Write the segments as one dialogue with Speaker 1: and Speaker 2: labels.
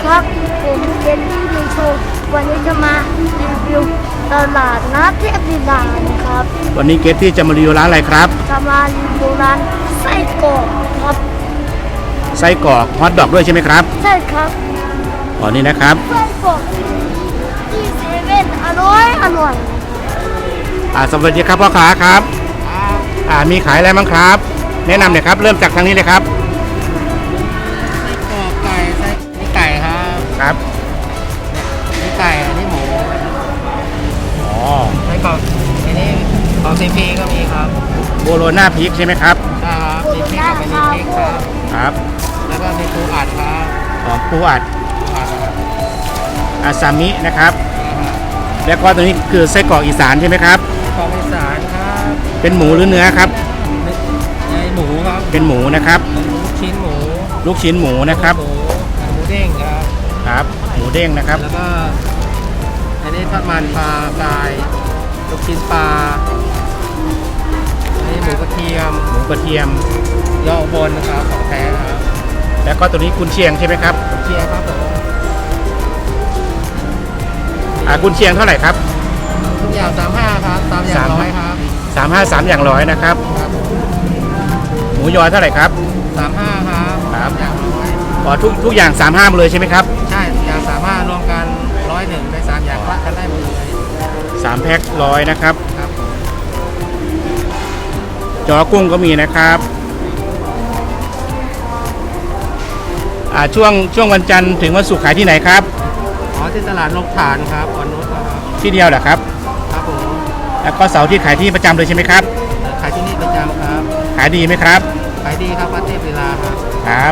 Speaker 1: ครับผมเคนที่มีโชว์วันนี้จะมารีวิวตลาดนัดเทพลีลานะครับ
Speaker 2: วันนี้เกตที่จะมารีวิวร้านอะไรครับ
Speaker 1: จะมารีวิวร้านไส้กรอกครับ
Speaker 2: ไส้กรอกฮอทดอกด้วยใช่ไหมครับ
Speaker 1: ใช่ครับ
Speaker 2: อ๋อนี่นะครับ
Speaker 1: ไส้กรอกที่เซเว่นอร่อย
Speaker 2: สวัสดีครับพ่อค้าครับมีขายอะไรบ้างครับแนะนำหน่อยครับเริ่มจากทางนี้เลยครับ
Speaker 3: ไส้กรอกไก่นี่ไก่ครับนี่ไก่อันนี้หมู
Speaker 2: อ๋อ
Speaker 3: ไส้กรอกอันนี้ของซีพีก็มีครับ
Speaker 2: โบโลน่าพริกใช่ไหมครับ
Speaker 3: ใช่ครับซีพีกับเป็นพริกครับ
Speaker 2: ครับ
Speaker 3: แล้วก็มีปูอัดครับ
Speaker 2: ของปูอัด
Speaker 3: ครับ
Speaker 2: อาซามินะครับแล้วก็ตัวนี้คือไส้กรอกอีสานใช่ไหมครับ
Speaker 3: ของอีสานครับ
Speaker 2: เป็นหมูหรือเนื้อครับ
Speaker 3: หมูครับ
Speaker 2: เป็นหมูนะครับ
Speaker 3: ลูกชิ้นหมู
Speaker 2: นะครับ
Speaker 3: หมูเด้ง
Speaker 2: ครับหมูเด้งนะครับ
Speaker 3: แล้วก็อันนี้ทอดมันปลากายลูกชิ้นปลาอันนี้หมูกระเทียมย่อบนนะครับของแท้ครับ
Speaker 2: แล้วก็ตัวนี้กุนเชียงใช่ไหมครับ
Speaker 3: กุนเชียงครับผม
Speaker 2: กุนเชียงเท่าไหร่ครับ
Speaker 3: ทุกอย่าง35ครับ3อย่าง100ครับ
Speaker 2: 3 อย่าง100นะครับหมูยอเท่าไหร่ครับ
Speaker 3: 35ครับอย่าง100
Speaker 2: อ๋อทุกอย่าง35เลยใช่ไหมครับ
Speaker 3: ใช่อย่าง35รวมกัน101ใน3อย่างละกันได้หมดเลย
Speaker 2: 3แพ็ค100นะครับ
Speaker 3: ครับ
Speaker 2: จอกุ้งก็มีนะครับช่วงวันจันทร์ถึงวันศุกร์ขายที่ไหนครับ
Speaker 3: ที่ตลาดนกฐานครับอ่อนนุชครับ
Speaker 2: ที่เดียวเหรอครับ
Speaker 3: ครับผม
Speaker 2: แล้วก็เสาร์ที่ขายที่ประจำเลยใช่ไหมครับ
Speaker 3: ขายที่นี่ประจำครับ
Speaker 2: ขายดีไหมครับ
Speaker 3: ขายดีครับวัดเทพลีลาครับ
Speaker 2: ครับ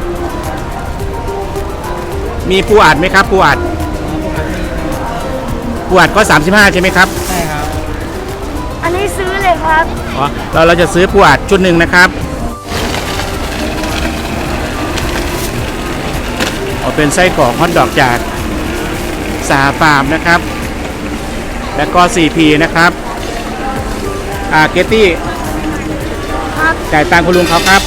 Speaker 2: มีปูอัดไหมครับปูอัดก็35ใช่ไหมครับ
Speaker 3: ใช่ครับ
Speaker 1: อันนี้ซื้อเลยครับ
Speaker 2: อ๋อเราจะซื้อปูอัดชุดหนึ่งนะครับเป็นไส้กรอกฮอทดอกจากสาฟาร์มนะครับแล้วก็ 4P นะครับเกตตี้จ่ายตังค์คุณลุงเขาครับ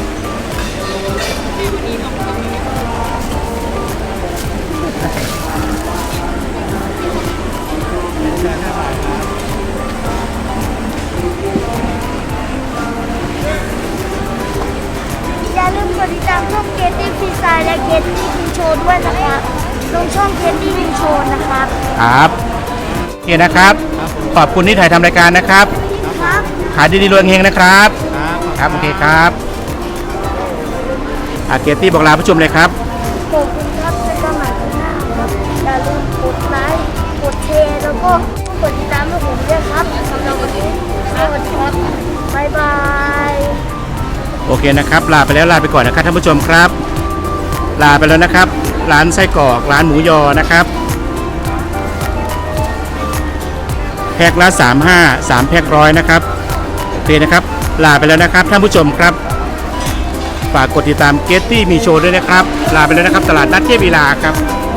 Speaker 1: อย่าลืมกดติดตามช่องเกตตี้ฟรีสไตล์และเกตตี้พิมโชว์ด้วยนะครับลงช่องเกตตี้พิมโชว์นะครับ
Speaker 2: ครับโอเคนะครับขอบคุณที่ถ่ายทำรายการนะครับขายดีๆรวยเฮงนะครับครับโอเคครับเกตตี้บอกลาผู้ชมเลยครับ
Speaker 1: ขอบคุณครับเจอกันใหม่ครั้งหน้าครับอย่าลืมกดไลค์กดแชร์แล้วก็กดติดตามให้ผมด้วยครับสำหรับวันนี้สวัสดีครับบ๊ายบาย
Speaker 2: โอเคนะครับลาไปก่อนนะครับท่านผู้ชมครับลาไปแล้วนะครับร้านไส้กรอกร้านหมูยอนะครับแพ็คละ3 แพ็ค100นะครับโอเคนะครับลาไปแล้วนะครับท่านผู้ชมครับฝากกดติดตามเกตตี้มีโชว์ด้วยนะครับลาไปแล้วนะครับตลาดนัดเทพลีลาครับ